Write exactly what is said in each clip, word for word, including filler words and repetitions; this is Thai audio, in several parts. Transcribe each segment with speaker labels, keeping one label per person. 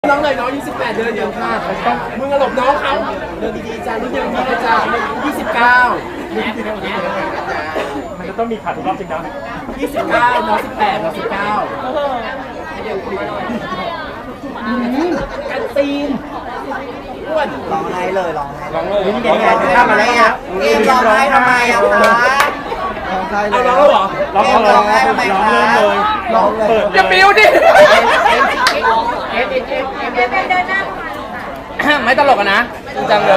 Speaker 1: น้องเลยน้องยี่สิบแปดเดือนเดียวค่ะต้องมึงหลบน้องเขาเดินดีๆจ้ารุ่นเดียวนี้เลยจ้ายี่สิบเก้า
Speaker 2: มันจะต้องมีขาดทุกรอบจริงนะ
Speaker 1: ยี่สิบเก้าน้องสิบแปดน้องสิบเก้ากันซีนอ้วน
Speaker 3: ร้องไห้เลยร้องไห้
Speaker 2: ร้องเลย
Speaker 3: นี่ไงจะทำอะไรอ่ะเกมร้องไห้ทำไมอ่ะคะร้องไห้เล
Speaker 1: เอา
Speaker 3: ย
Speaker 1: น้องแล้วเหรอ
Speaker 2: ร้องเลยร้องเลยร้องเริ่มเลย
Speaker 3: ร้องเลย
Speaker 2: เปิด
Speaker 1: อย่าบิ้วดิ ไม่ตลกอะนะจริงจังเลย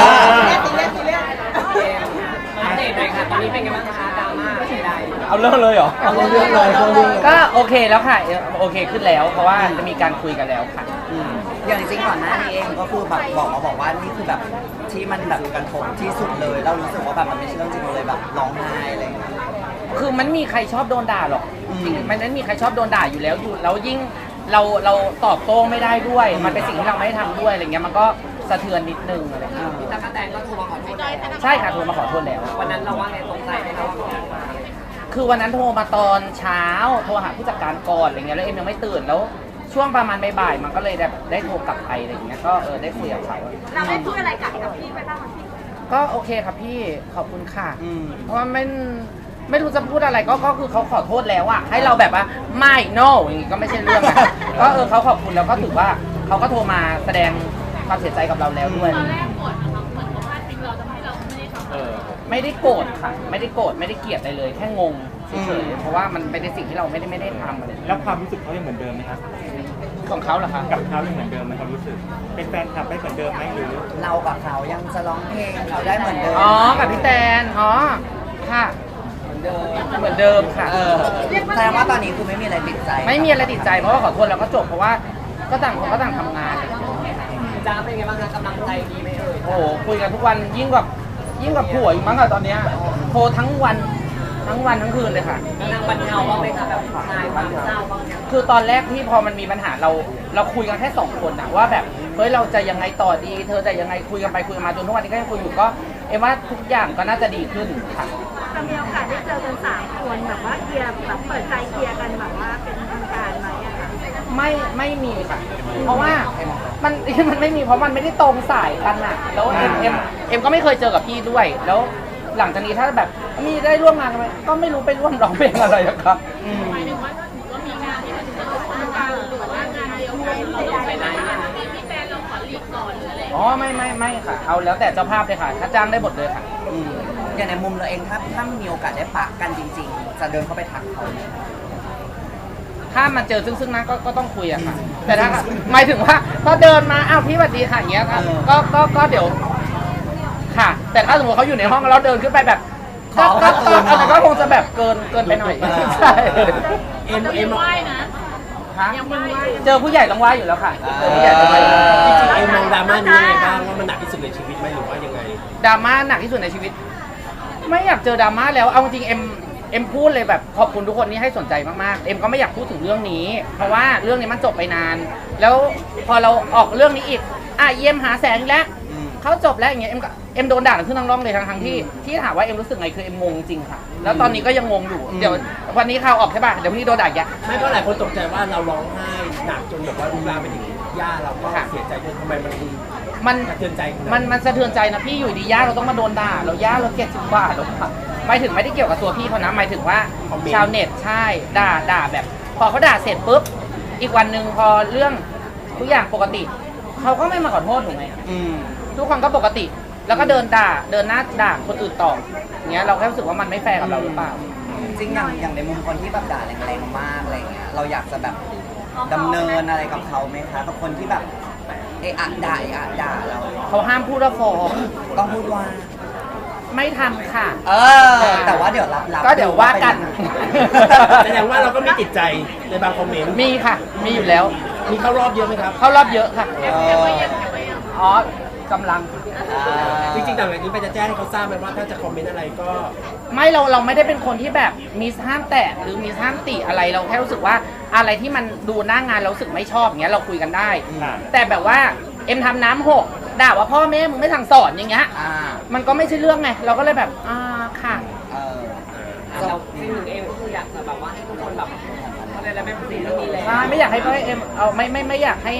Speaker 4: อัปเดตหน่อยค่ะตอนนี้เป็นไงบ้างคะดราม่าเสียดาย
Speaker 2: เอาเริ่มเลยเหรอ
Speaker 3: เอาเรื่องเลยเอาเรื่องเลย
Speaker 5: ก็โอเคแล้วค่ะโอเคขึ้นแล้ว เพราะว่าจะมีการคุยกันแล้วค่ะ
Speaker 3: อย่างจริงก่อนหน้านี้เองก็คือแบบบอกมาบอกว่านี่คือแบบที่มันแบบกระทบที่สุดเลยเรารู้สึกว่าแบบมันไม่ใช่เรื่องจริงเลยแบบร้องไห้อะไรอย่างเงี้ย
Speaker 5: คือมันมีใครชอบโดนด่าหรอก
Speaker 3: อืม
Speaker 5: จริงๆมันไม่มีใครชอบโดนด่าอยู่แล้วอยู่แล้วยิ่งเราเราตอบโต้ไม่ได้ด้วย มันเป็นสิ่งที่เราไม่ได้ทำด้วยอะไรเงี้ยมันก็สะเทือนนิดนึงอะไรเงี้ย
Speaker 4: พี่ตั๊กแตนก็โทรมาขอโทษแล้ว
Speaker 5: ใช่ค่ะโทรมาขอโทษแล้ว
Speaker 4: วันนั้นเราว่าไงตรงใจไหมคะว่าเขาโทรมา
Speaker 5: คือวันนั้นโทรมาตอนเช้าโทรหาผู้จัดการก่อนอะไรเงี้ยแล้วเอ็มยังไม่ตื่นแล้วช่วงประมาณบ่ายๆมันก็เลยแบบได้โทรกลับไปอะไรเงี้ยก็เออได้คุยกับเขา
Speaker 6: เราได้พูดอะไรกับกับพี่ไปบ้างคะพี่
Speaker 5: ก็โอเคครับพี่ขอบคุณค่ะ
Speaker 3: อืม
Speaker 5: เพราะว่าไม่ไม่รู้จะพูดอะไรก็ก็คือเขาขอโทษแล้วอะให้เราแบบว่าไม่ no อย่างงี้ก็ไม่ใช่เรื่องอะ ก็เออเขาขอบคุณแล้วก็ถือว่าเขาก็โทรมาแสดงความเสียใจกับเราแล้วด้วย
Speaker 6: ตอนแรกโกรธนะคะเหมือนเขาพลาดทิ้งเราทำให้เราไม่ได้ทำ
Speaker 2: เออ
Speaker 5: ไม่ได้โกรธค่ะ ไม่ได้โกรธไม่ได้เกลียดอะไรเลย แค่งงเฉยๆเพราะว่ามันเป็นสิ่งที่เราไม่ได้ไม่ได้ทำอะไร
Speaker 2: แล้วความรู้สึกเขายังเหมือนเดิมไหมครับ
Speaker 5: ของเขาเหรอคะ
Speaker 2: กับเขายังเหมือนเดิมไหมความรู้สึก เป็นแฟนคลับได้เหมือนเดิมไหมหรือ
Speaker 3: เรากับเขายังจะร้องเพลงเขาได้เหมือนเดิม
Speaker 5: อ๋อกับพี่แตนอ๋อค่ะเหมือนเดิมเหมือนเดิมค่ะ
Speaker 3: เออแสดงว่าตอนนี้คือไม่มีอะไรติดใจ
Speaker 5: ไม่มีอะไรติดใจเพราะว่าขอโทษแล้วก็จบเพราะว่าก็ต่างคนก็ต่างทำงานอะไรอย่างเงี้ย
Speaker 4: จ้าเป็นไงบ้างคะกำลังใจดีไหมเอ่ย
Speaker 5: โอ้โหคุยกันทุกวันยิ่งกว่ายิ่งกว่าผัวอีกมั้งอะตอนเนี้ยโทรทั้งวันทั้งวันทั้งคืนเลยค่ะ
Speaker 4: นางบรรเทาบ้างไหมคะแบบคลายความเศร้าบ้างเนี่ย
Speaker 5: คือตอนแรกที่พอมันมีปัญหาเราเราคุยกันแค่สองคนอะว่าแบบเฮ้ยเราจะยังไงต่อดี เธอจะยังไงคุยกันไปคุยกันมาจนทุกวันนี้ก็ยังคุยอยู่ก็เอ็มว่าทุกอย่างก็น่าจะดีขึ้นค่ะ
Speaker 6: จะมีโอกาสได้เจอกันสามคนแบบว่าเคลียร์แบบเปิดใจเคลียร์กันแบบว่าเป็นทางการไหมอะคะ
Speaker 5: ไม่ไม่มีค่ะ เพราะว่ามัน มันไม่มีเพราะมันไม่ได้ตรงสายกันอะแล้วเอ็มเอ็มเอ็มก็ไม่เคยเจอกับพี่ด้วย แล้วหลังจากนี้ถ้าแบบมีได้ร่วมงานกันไหมก็ไม่รู้ไปร่วมร้องเพลงอะไรอะครับ
Speaker 6: หมายถึงว่าถ้าถือว่ามีงานที่มันจะต้องทำการหรือว่างานเดียวกันเราไปไหนพี่แฟนเราขอรีบก่อนหรืออะไร
Speaker 5: อ๋อไม่ไม่ไม่ค่ะ เอาแล้วแต่เจ้าภาพเลยค่ะ ถ้าจ้างได้หมดเลยค่ะ
Speaker 3: อืมอย่างในมุมเราเองถ้าถ้ามีโอกาสได้ปะกันจริง ๆ จะเดินเข้าไปทักเขาไหม
Speaker 5: ถ้ามันเจอซึ่งซึ่งหน้าก็ก็ต้องคุยอะค่ะ แต่ถ้าหมายถึงว่าพอเดินมาอ้าวพี่สวัสดีค่ะอย่างเงี้ยค่ะก็ก็ก็เดี๋ยวค่ะ แต่ถ้าสมมติเขาอยู่ในห้องแล้วเดินขึ้นไปแบบก็ก็ก็อันนั้นก็คงจะแบบเกินเกินไปหน่อยใช่
Speaker 1: เอ็มเอ็ม
Speaker 6: ไหว้นะ
Speaker 5: ฮะเจอผู้ใหญ่ต้องไหว้อยู่แล้วค่ะเจอผู้ใหญ่ต้องไหว้อยู่แล้ว
Speaker 1: จริงๆเอ็มมองดราม่านี้ยังไงบ้างว่ามันหนักที่สุดในชีวิตไหมหรือว่ายังไง
Speaker 5: ดราม่าหนักที่สุดในชีวิต ไม่อยากเจอดราม่าแล้วเอาจริงๆเอ็มเอ็มพูดเลยแบบขอบคุณทุกคนที่ให้สนใจมากๆเอ็มก็ไม่อยากพูดถึงเรื่องนี้ เพราะว่าเรื่องนี้มันจบไปนาน แล้วพอเราออกเรื่องนี้อีกอ่ะเยี่ยมหาแสงอีกแล้ว
Speaker 3: อืม
Speaker 5: เขาจบแล้วอย่างเงี้ยเอ็มก็เอ็มโดนด่าขึ้นทั้งร่องเลยทั้งทั้งที่ที่ถามว่าเอ็มรู้สึกไงคือเอ็มงงจริงค่ะ แล้วตอนนี้ก็ยังงงอยู่เดี๋ยววันนี้ข่าวออกใช่ป่ะเดี๋ยวพรุ่งนี้โดนด่าอีกแยะ
Speaker 1: ไม่เพราะหลายคนตกใจว่าเราร้องไห้หนักจนแบบว่าลุกลามไปถึงย่าเราก็เสียใจจนทำไมมันดู
Speaker 5: มัน
Speaker 1: สะเทือนใจขนาดนั้น
Speaker 5: มันมันสะเทือนใจนะพี่อยู่ดีย่าเราต้องมาโดนด่าเราย่าเราเกลียดสิบบาทหรอกหมายถึงไม่ได้เกี่ยวกับตัวพี่เขานะหมายถึงว่าชาวเน็ตใช่ด่าด่าแบบ พอเขาด่าเสร็จปุ๊บอีกวันหนึ่งพอเรื่องทุกอย่างปกติเขาก็ไม่มาขอโทษถูกไหม
Speaker 3: อืม
Speaker 5: ทุกคนก็ปกติ แล้วก็เดินด่าเดินหน้าด่าคนอื่นต่ออย่างเงี้ยเราแค่รู้สึกว่ามันไม่แฟร์กับเราหรือเปล่า
Speaker 3: จริงอย่างอย่างในมุมคนที่แบบด่าแรงๆมากอะไรเงี้ยเราอยากจะแบบดำเนินอะไรกับเขาไหมคะกับคนที่แบบเอะอะด่าเอะอะด่าเรา
Speaker 5: เขาห้ามพูดว่าฟ้อง
Speaker 3: ต้องพูดว่า
Speaker 5: ไม่ทำค่ะ
Speaker 3: เออ แต่ว่าเดี๋ยวรับรับ
Speaker 5: ก็เดี๋ยวว่ากัน
Speaker 1: แสดงว่าเราก็มีติดใจในบางคอมเมนต์
Speaker 5: มีค่ะ มีอยู่แล้ว
Speaker 1: มีเข้ารอบเยอะไหมครับ
Speaker 5: เข้ารอบเยอะค่ะ
Speaker 3: เออ
Speaker 5: อ๋อกำลัง
Speaker 1: จริงๆต่างจากนี้ไปจะแจ้งให้เขาทราบไหมว่าถ้าจะคอมเมนต์อะไรก็
Speaker 5: ไม่เราเราไม่ได้เป็นคนที่แบบมีห้ามแตะหรือมีห้ามติอะไรเราแค่รู้สึกว่าอะไรที่มันดูหน้างานเรารู้สึกไม่ชอบอย่างเงี้ยเราคุยกันได้
Speaker 2: อ่า
Speaker 5: แต่แบบว่าเอ็มทำน้ำหกด่าว่าพ่อแม่มึงไม่สั่งสอนอย่างเงี้ย
Speaker 3: อ่า
Speaker 5: มันก็ไม่ใช่เรื่องไงเราก็เลยแบบอ่าค่ะ
Speaker 3: เออ
Speaker 4: เราสิ่งหนึ่งเองก็คืออยากจะแบบว่าให้ทุกคนแบบอะไรแล้วไม่พูดถึงเรื่องนี้แล้ว
Speaker 5: ใช่ไม่อยากให้พ่อเอ็มเอาไม่ไม่ไม่อยากให้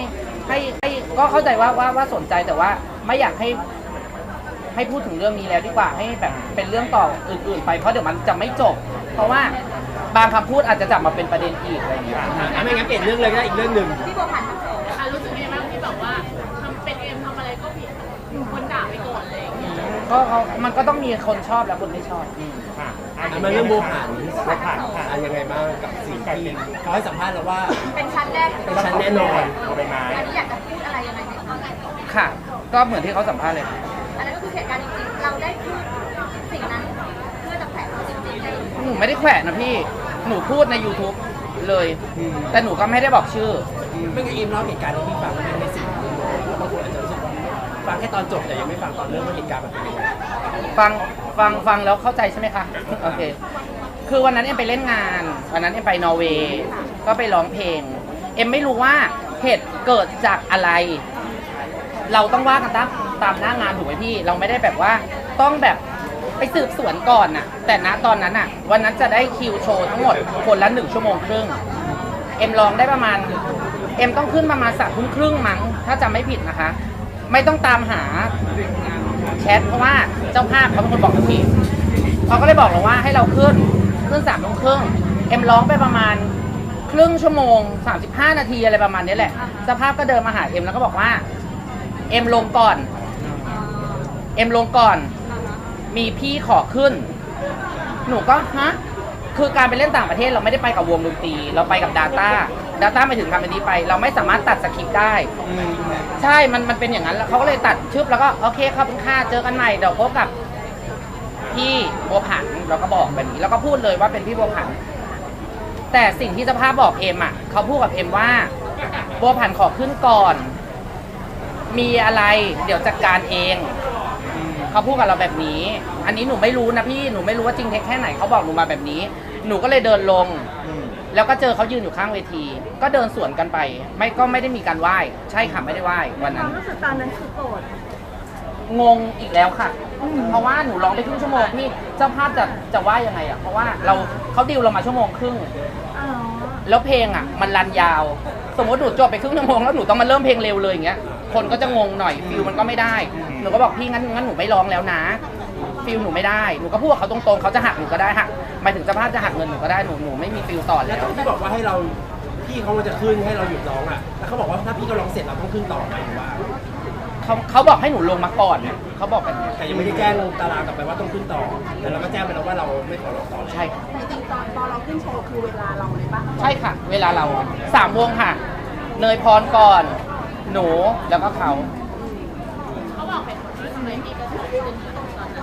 Speaker 5: ให้ให้ก็เข้าใจว่าว่าว่าสนใจแต่ว่าไม่อยากให้ให้พูดถึงเรื่องนี้แล้วดีกว่าให้แบบเป็นเรื่องต่ออื่น ๆ ไปเพราะเดี๋ยวมันจะไม่จบ เพราะว่าบางคำพูดอาจจะจับมาเป็นประเด็นอีกอะไรอย่างเงี้ย
Speaker 1: อ่ะไม่งั้นเปลี่ยนเรื่องเลยก็ได้อีกเรื่องหนึ่ง
Speaker 6: อ่ะรู้สึกยังไงบ้างที่แบบว่าทำเป็นเอ็มทำอะไรก็ผิดคนด่าไปก่อนอะไรอย่างเงี้ย
Speaker 5: ก็เขามันก็ต้องมีคนชอบและคนไม่ชอบ
Speaker 2: ค่ะ
Speaker 1: อ่ะมาเรื่องโบผ่าน
Speaker 2: โบผ่านค่ะ
Speaker 1: อ่ะยังไงบ้างกับสิ่งที่เขาให้สัมภาษณ์เราว่า
Speaker 7: เป็นชั้นแรก
Speaker 1: เป็นชั้นแน่นอน
Speaker 2: เอาไปไม้
Speaker 7: อันนี้อยากจะพูดอะไรยังไงไหมคะ
Speaker 5: ค่ะ ก็เหมือนที่เขาสัมภาษณ์เลย
Speaker 7: อันนั้นก็คือเหตุการณ์จริงๆ เราได้พูดสิ่งนั้นเพื่อจะแผลเขาจริงๆเลย
Speaker 5: หนูไม่ได้แขวะนะพี่หนูพูดใน YouTube เลย แต่หนูก็ไม่ได้บอกชื่อ
Speaker 1: ไม่งั้นเอ็มเล่าเหตุการณ์ที่พี่ฟังในสิ่งที่บางคนอาจจะรู้สึกว่าฟังแค่ตอนจบแต่ยังไม่ฟังตอนเริ่มว่าเหตุการณ์มันเป็นยังไง
Speaker 5: ฟังฟังฟังแล้วเข้าใจใช่ไหมคะ โอเค คือวันนั้นเอ็มไปเล่นงาน วันนั้นเอ็มไปนอร์เวย์ก็ไปร้องเพลง เอ็มไม่รู้ว่าเหตุเกิดจากอะไร เราต้องว่ากันตามตามหน้างานถูกไหมพี่ เราไม่ได้แบบว่าต้องแบบไปสืบสวนก่อนน่ะ แต่ณตอนนั้นน่ะ วันนั้นจะได้คิวโชว์ทั้งหมดคนละหนึ่งชั่วโมงครึ่ง เอ็มร้องได้ประมาณ เอ็มต้องขึ้นประมาณสามทุ่มครึ่งมั้งถ้าจำไม่ผิดนะคะ ไม่ต้องตามหาแชทเพราะว่าเจ้าภาพเขาเป็นคนบอกกับพี่เขาก็เลยบอกเราว่าให้เราขึ้นขึ้นสามทุ่มครึ่งเอ็มร้องไปประมาณครึ่งชั่วโมงสามสิบห้านาทีอะไรประมาณนี้แหละเจ้าภาพก็เดินมาหาเอ็มแล้วก็บอกว่าเอ็มลงก่อนเอ็มลงก่อนมีพี่ขอขึ้นหนูก็ฮะคือการไปเล่นต่างประเทศเราไม่ได้ไปกับวงดนตรีเราไปกับ Data Data ไปถึงทำอันนี้ไปเราไม่สามารถตัดสคริปต์ได้ใช่มันมันเป็นอย่างนั้นแล้วเขาก็เลยตัดชึบแล้วก็โอเคครับคุณค่าเจอกันใหม่เดี๋ยวพบกับพี่บัวผันเราก็บอกแบบนี้แล้วก็พูดเลยว่าเป็นพี่บัวผันแต่สิ่งที่เจ้าภาพบอกเอ็มอ่ะเขาพูดกับเอ็มว่าบัวผันขอขึ้นก่อนมีอะไรเดี๋ยวจัดการเองเขาพูดกับเราแบบนี้อันนี้หนูไม่รู้นะพี่หนูไม่รู้ว่าจริงเท็จแค่ไหนเขาบอกหนูมาแบบนี้หนูก็เลยเดินลงแล้วก็เจอเขายืนอยู่ข้างเวทีก็เดินสวนกันไปไม่ก็ไม่ได้มีการไหว้ใช่ค่ะไม่ได้ไหว้วันนั้น
Speaker 7: รู้สึกตอนนั้นคือโกรธ
Speaker 5: งงอีกแล้วค่ะ เพราะว่าหนูร้องไปครึ่งชั่วโมงพี่เจ้าภาพจะจะว่ายังไงอ่ะเพราะว่าเราเขาดิวเรามาชั่วโมงครึ่งแล้วเพลงอ่ะมันรันยาว สมมติหนูจบไปครึ่งชั่วโมงแล้วหนูต้องมาเริ่มเพลงเร็วเลยอย่างเงี้ยคนก็จะงงหน่อยฟิลมันก็ไม่ได้หนูก็บอกพี่งั้นงั้นหนูไม่ร้องแล้วนะฟิลหนูไม่ได้หนูก็พูดกับเขาตรงๆเขาจะหักหนูก็ได้หักหมายถึงเจ้าภาพจะหักเงินหนูก็ได้หนูหนูไม่มีฟิลต่อ
Speaker 1: แล้
Speaker 5: แล้ว ว
Speaker 1: ตอนที่บอกว่าให้เราพี่เขาจะขึ้นให้เราหยุดร้องอ่ะแล้วเขาบอกว่าถ้าพี่เขาร้องเสร็จเราต้องขึ้นต่อไหมหรือว่า
Speaker 5: เขาเขาบอกให้หนูลงมาก่อนเขาบอกแบบนี้
Speaker 1: แต่ยังไม่ได้แจ้งตารางกลับไปว่าต้องขึ้นต่อแต่เราก็แจ้งไปแล้วว่าเราไม่ขอร้องต่อ
Speaker 5: ใช่ค่ะ
Speaker 7: จริงๆตอนตอนเราขึ้นโชว์คือเวลาเราเลยปะ
Speaker 5: ใช่ค่ะ เวลาเราสามวงค่ะ เนยพรก่อน หนูแล้วก็เขา
Speaker 6: เขาบอกเหตุผลว่าทำไมพี่กระโดดขึ้นตอนนั้น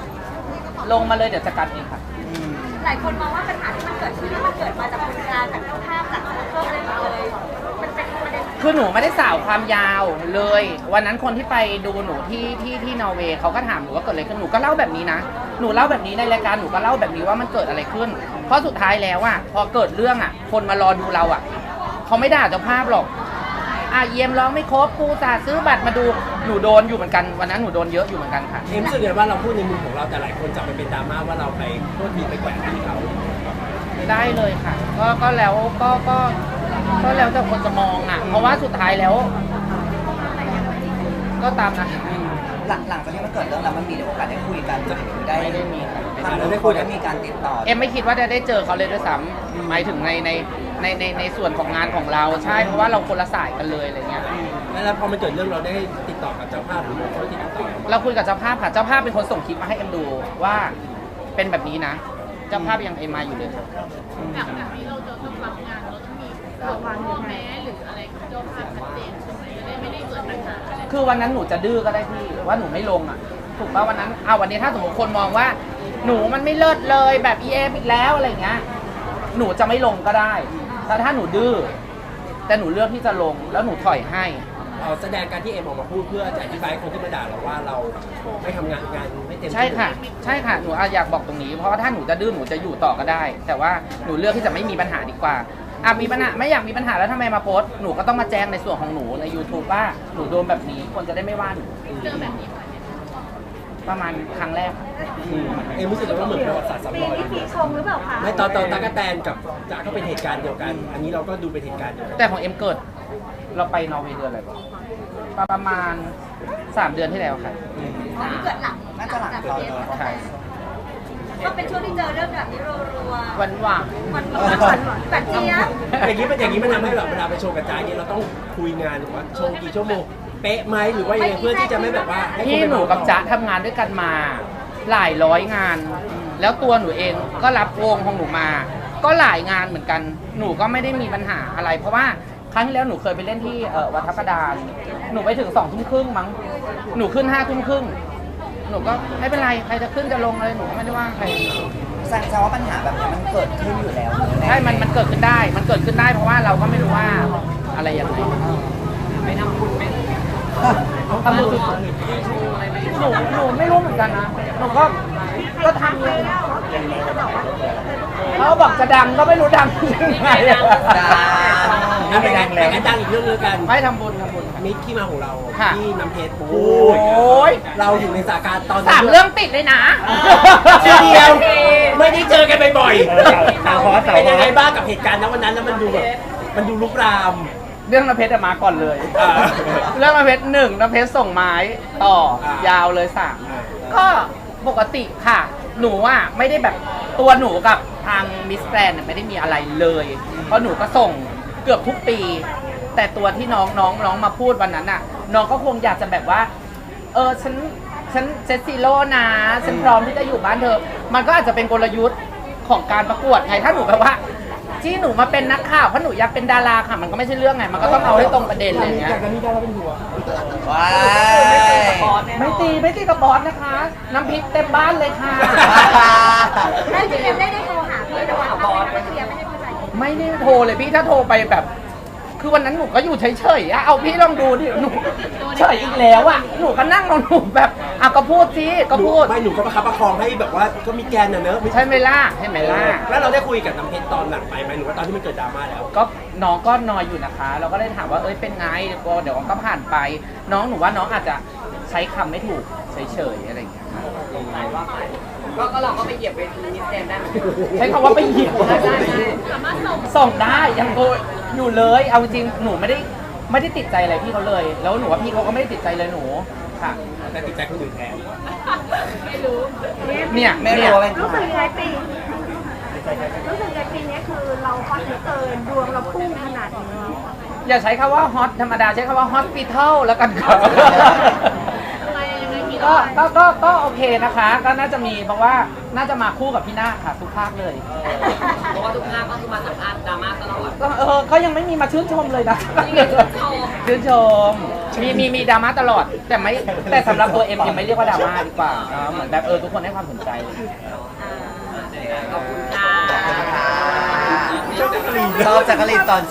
Speaker 5: ลงมาเลยเดี๋ยวจะกัดเองค่ะ
Speaker 7: หลายคนมองว่าปัญหาที่มันเกิดขึ้นมันเกิดมาจากคนกลางจากเจ้าภาพจากสปอนเซอร์อะไรหมดเลยมันเป็นประเด็น
Speaker 5: คือหนูไม่ได้สาวความยาวเลย วันนั้นคนที่ไปดูหนูที่ที่ที่นอร์เวย์เขาก็ถามหนูว่าเกิดอะไรขึ้นหนูก็เล่าแบบนี้นะหนูเล่าแบบนี้ในรายการหนูก็เล่าแบบนี้ว่ามันเกิดอะไรขึ้น เพราะสุดท้ายแล้วอ่ะพอเกิดเรื่องอ่ะ คนมารอดูเราอ่ะเขาไม่ด่าเจ้าภาพหรอกอ่ะเยี่ยมร้องไม่ครบกูจ่าซื้อบัตรมาดูหนูโดนอยู่เหมือนกันวันนั้นหนูโดนเยอะอยู่เหมือนกันค่ะ
Speaker 1: เอ็มรู้สึกไงว่าเราพูดในมุมของเราแต่หลายคนจับไปเป็นดราม่าว่าเราไปโทษทีไปแกว่งพี่เขา
Speaker 5: ได้เลยค่ะ ก็ก็แล้วก็ก็ก็แล้วแต่คนจะมองอ่ะ เพราะว่าสุดท้ายแล้ว ก็ตามนะ
Speaker 3: หลังหลังจากที่มันเกิดเรื่องแล้วมันมีโอกาสได้คุยกันหรือได้
Speaker 5: ไม่ได้มีครับ
Speaker 3: ทางได้คุยได้มีการติดต่อ
Speaker 5: เอ็มไม่คิดว่าจะได้เจอเขาเลยด้วยซ้ำหมายถึงในในในในในส่วนของงานของเราใช่เพราะว่าเราคนละสายกันเลยอะไรเงี้ย
Speaker 1: แล้วพอมันเกิดเรื่องเราได้ติดต่อกับเจ้าภาพหรือเขาที่ติดต่อ
Speaker 5: เราคุยกับเจ้าภาพค่ะเจ้าภาพเป็นคนส่งคลิปมาให้เอ็มดูว่าเป็นแบบนี้นะ เจ้าภาพยังเอ็มมาอยู่เลย
Speaker 6: แบบแบบนี้เราจะต้องรับงานเราต้องมีข้อแม้หรืออะไรกับเจ้าภาพชัดเจนใช่ไหมจะได้ไม่ได้เกิดปัญหาอะไร
Speaker 5: คือวันนั้นหนูจะดื้อก็ได้พี่ว่าหนูไม่ลงอ่ะถูกป่ะวันนั้นเอาวันนี้ถ้าสมมติคนมองว่า หนูมันไม่เลิศเลยแบบ อี เอ็ม อีกแล้วอะไรเงี้ยหนูจะไม่ลงก็ได้แต่ถ้าหนูดื้อแต่หนูเลือกที่จะลงแล้วหนูถอยให้
Speaker 1: เราแสดงการที่เอ็มออกมาพูดเพื่อจะอธิบายคนที่มาด่าเราว่าเราไม่ทำงานงานไม่เต็มที่
Speaker 5: ใช่ค่ะ ใช่ค่ะหนูอยากบอกตรงนี้เพราะว่าถ้าหนูจะดื้อหนูจะอยู่ต่อก็ได้ แต่ว่าหนูเลือกที่จะไม่มีปัญหาดีกว่าอ่ะมีปัญหาไม่อยากมีปัญหาแล้วทำไมมาโพสต์หนูก็ต้องมาแจ้งในส่วนของหนูใน YouTube ว่าหนูโดนแบบนี้คนจะได้ไม่ว่าหนู
Speaker 6: เรื่องแบบนี้
Speaker 5: ประมาณครั้งแรก
Speaker 1: อืมเอ็มรู้สึกว่าเหมือนประวัติศาสตร์ซ้ำรอย
Speaker 7: ปีชงหรือเปล่าคะ
Speaker 1: ไม่ตอนตอนตากแตนกับจ๋าก็เป็นเหตุการณ์เดียวกัน อันนี้เราก็ดูเป็นเหตุการณ์เดียวกัน
Speaker 5: แต่ของเอ็มเกิดเราไปนอร์เวย์เดือนอะไรวะประมาณสามเดือนที่แล้วค่ะ
Speaker 7: อันนี้เกิดหลัง
Speaker 3: น่าจะหลัง
Speaker 7: จาก
Speaker 3: ตอน
Speaker 7: เกส
Speaker 3: โดน
Speaker 5: ใช่
Speaker 7: ก็เป็นช่วงที่เจอเรื่องแบบนี้รัวๆ
Speaker 5: หวานหวาน
Speaker 7: มันมันหวานหวานแบบเจี๊ยบ
Speaker 1: อย่างนี้มันอย่างนี้มันทำให้แบบเวลาไปโชว์กับจ้าเนี่ยเราต้องคุยงานหรือว่าโชว์กี่ชั่วโมงเป๊ะไหมหรือว่ายังไงเพื่อที่จะไม่แบบว่าให้คน
Speaker 5: พี่
Speaker 1: ไป
Speaker 5: หนู
Speaker 1: บอก
Speaker 5: กับ
Speaker 1: ต่อ
Speaker 5: จ๊ะทำงานด้วยกันมาหลายร้อยงาน แล้วตัวหนูเองก็รับวงของหนูมา ก็หลายงานเหมือนกัน หนูก็ไม่ได้มีปัญหาอะไร เพราะว่าครั้งที่แล้วหนูเคยไปเล่นที่เอ่อวัดทับประดานหนูไปถึงสองทุ่มครึ่งมั้งหนูขึ้นห้าทุ่มครึ่งหนูก็ไม่เป็นไรใครจะขึ้นจะลงอะไรหนูก็ไม่ได้ว่าใคร
Speaker 3: แสดงว่าปัญหาแบบนี้มันเกิดขึ้นอยู่แล้ว
Speaker 5: ใช่มันมันเกิดขึ้นได้ มันเกิดขึ้นได้เพราะว่าเราก็ไม่รู้ว่าอะไรยังไง
Speaker 4: ไม่ทำบุญไม่
Speaker 5: ทำบุญสุดหนูหนูไม่รู้เหมือนกันนะหนูก็ก็ทำเลยเขาบอกจะดังก็ไม่รู้ดังยังไง
Speaker 3: ดัง
Speaker 1: อ่ะไปดังแล้วดังอีกเรื่องนึงกัน
Speaker 5: ไม่ทำบุญทำบุญ
Speaker 1: มิตรที่มาของเรา
Speaker 5: ค่ะ
Speaker 1: ที่น้ำเพชร
Speaker 5: โอ
Speaker 1: พูด้
Speaker 5: ย
Speaker 1: เราอยู่ในสถานการณ์ตอนนั้น
Speaker 5: สามเรื่องติดเลยนะ
Speaker 1: เดียวไม่ได้เจอกันบ่อย
Speaker 2: เออสาวฮอสสาว
Speaker 1: เป็น
Speaker 2: ฮ
Speaker 1: ยัง
Speaker 2: อ
Speaker 1: ไง
Speaker 2: ส
Speaker 1: บ้างกับเหตุการณ์ณวันนั้นแล้วมันดูแบบมันดูลุกราม
Speaker 5: เรื่องน้ำเพชรอะมาก่อนเลย
Speaker 1: อ่า
Speaker 5: เรื่องน้ำเพชรหนึ่งน้ำเพชรส่งไม้ต่อ
Speaker 1: อ่าย
Speaker 5: ยาวเลยสาม
Speaker 1: อ่า
Speaker 5: ก็ปกติค่ะ หนูอ่ะไม่ได้แบบตัวหนูกับทางมิสแกรนไม่ได้มีอะไรเลย เพราะหนูก็ส่งเกือบทุกปี แต่ตัวที่น้องน้องน้องมาพูดวันนั้นอ่ะ น้องก็คงอยากจะแบบว่า เออฉันฉันเซตซีโร่นะฉันพร้อมที่จะอยู่บ้านเธอ มันก็อาจจะเป็นกลยุทธ์ของการประกวดไงถ้าหนูแบบว่าที่หนูมาเป็นนักข่าวเพราะหนูอยากเป็นดาราค่ะ มันก็ไม่ใช่เรื่องไงมันก็ต้องเอาให้ตรงประเด็นอะไรอย่างเงี้ย
Speaker 1: จากนั้นมีดาราเป็นหัว
Speaker 3: ว้า
Speaker 5: ไม่ตีไม่ตีกับบอสนะคะ น้ำพริกเต็มบ้านเลยค่ะ
Speaker 7: ได้พี่เอ็มได้ได้โทรหาพี่แต่ว่าเขาไม่ได้เคลียร์ไม่ได้เข้าใจ
Speaker 5: ไม่ได้โทรเลยพี่ถ้าโทรไปแบบ คือวันนั้นหนูก็อยู่เฉยๆอะเอาพี่ลองดูดิหนูเฉยอีกแล้วอะหนูก็นั่งของหนูแบบอ่ะก็พูดสิก็พูด
Speaker 1: ไม่หนูก็ประคับประคองให้แบบว่าก็มีแกนน่ะเนอะ
Speaker 5: ใช่ไหมล่ะใช่ไหมล่ะ
Speaker 1: แล้วเราได้คุยกับน้ำเพชรตอนหลังไปไหมหรือว่าตอนที่มันเกิดดราม่าแล้ว
Speaker 5: ก็น้องก็นอยอยู่นะคะ เราก็เลยถามว่าเอ้ยเป็นไงก็เดี๋ยวก็ผ่านไป น้องหนูว่าน้องอาจจะใช้คำไม่ถูกเฉยๆอะไรอย่างเงี้ย
Speaker 4: ใจว่าไปก็ก็เราก็ไปเหยียบเวทีมิสแกรนด์ได้เหมือนกัน
Speaker 5: ใช้คำว่าไปเหยียบ
Speaker 4: ได้ได้ได้
Speaker 6: สามารถส่ง
Speaker 5: ส่งได้ยังโกอยู่เลย เอาจริงหนูไม่ได้ไม่ได้ติดใจอะไรพี่เขาเลย แล้วหนูว่าพี่เขาก็ไม่ได้ติดใจเลยหนูค่ะ
Speaker 1: แต่ติดใจคนอื่นแทน
Speaker 6: ไม่รู้
Speaker 5: เนี่ย
Speaker 3: ไม่
Speaker 5: เนี่
Speaker 3: รู้
Speaker 5: ย
Speaker 3: ว่าเป็น
Speaker 7: รู้สึกยังไงปีรู้สึกยังไงปีนี้คือเราฮอตเหลือเกินดวงเราพุ่งขนาดนี้
Speaker 5: อย่าใช้คำว่าฮอตธรรมดาใช้คำว่าฮอสปิทอลแล้วกันครับ
Speaker 6: อะไรยังไงกี่
Speaker 5: ก็
Speaker 6: ร้อย
Speaker 5: ก็ก็ก็โอเคนะคะ ก็น่าจะมีเพราะว่าน่าจะมาคู่กับพี่นาคค่ะทุกภาคเลย
Speaker 4: เพราะว่าทุกภาคก็คือมาสัมภาษณ์ดราม่าตลอด
Speaker 5: ก็เออเขายังไม่มีมาชื่นชมเลยนะ
Speaker 4: นี่ไงชื่นชม
Speaker 5: ชื่นชมมีมีมีดราม่าตลอด แต่ไม่แต่สำหรับตัวเอ็มยังไม่เรียกว่าดราม่าดีกว่าเนอะเหมือนแบบเออทุกคนให้ความสนใจ
Speaker 4: ขอบคุณค่ะ
Speaker 3: ชอบจักรีนตอน